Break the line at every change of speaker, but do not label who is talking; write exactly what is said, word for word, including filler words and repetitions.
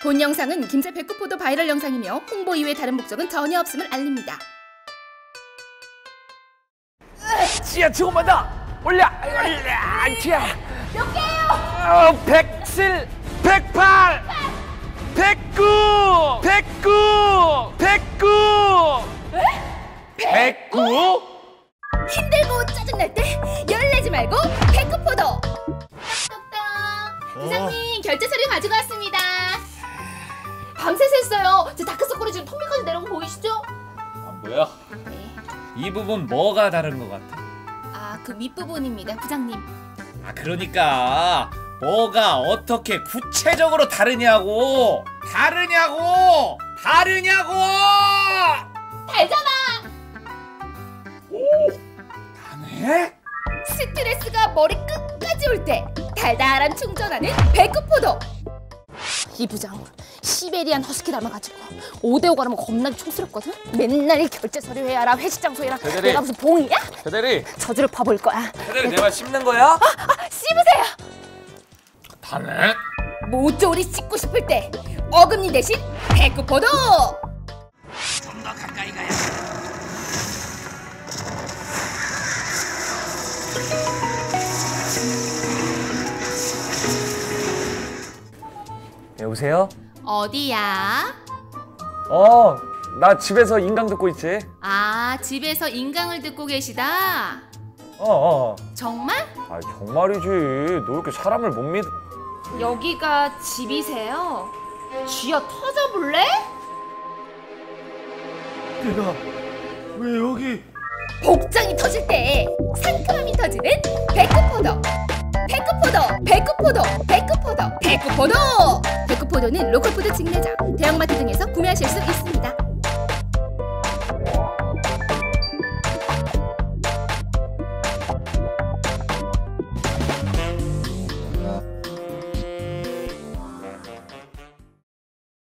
본 영상은 김제 백구포도 바이럴 영상이며 홍보 이외 다른 목적은 전혀 없음을 알립니다.
지야 조금만 더 올려 올려 지야 몇 개요? 어, 백칠, 백팔, 백구, 백구, 백구. 백구?
힘들고 짜증날 때 열내지 말고 백구포도. 똑똑똑. 부장님 결제 서류 가지고 왔습니다. 밤새서 했어요. 제 다크서클이 지금 턱밑까지 내려온 거 보이시죠?
아 뭐야?
네.
이 부분 뭐가 다른 것 같아?
아, 그 윗부분입니다, 부장님.
아 그러니까 뭐가 어떻게 구체적으로 다르냐고 다르냐고 다르냐고
달잖아.
오 다네?
스트레스가 머리 끝까지 올 때 달달한 충전하는 백구포도. 이 부장 시베리안 허스키 닮아가지고 오대오 가라면 겁나게 촌스럽거든? 맨날 결제 서류 해야라 회식 장소 해라.
대대리.
내가 무슨 봉이야?
대대리
저주를 퍼볼 거야.
대대리 내 말 씹는 거야?
아, 아, 씹으세요.
다네?
모조리 씹고 싶을 때 어금니 대신 백구포도.
좀 더 가까이 가야 여보세요?
어디야?
어, 나 집에서 인강 듣고 있지.
아, 집에서 인강을 듣고 계시다?
어, 어.
정말?
아, 정말이지. 너 이렇게 사람을 못 믿...
여기가 집이세요? 쥐어 터져볼래?
내가 왜 여기...
복장이 터질 때 상큼함이 터지는 백구포도. 백구포도, 백구포도, 백구포도, 백구포도. 백구포도는 로컬푸드 직매장, 대형마트 등에서 구매하실 수 있습니다.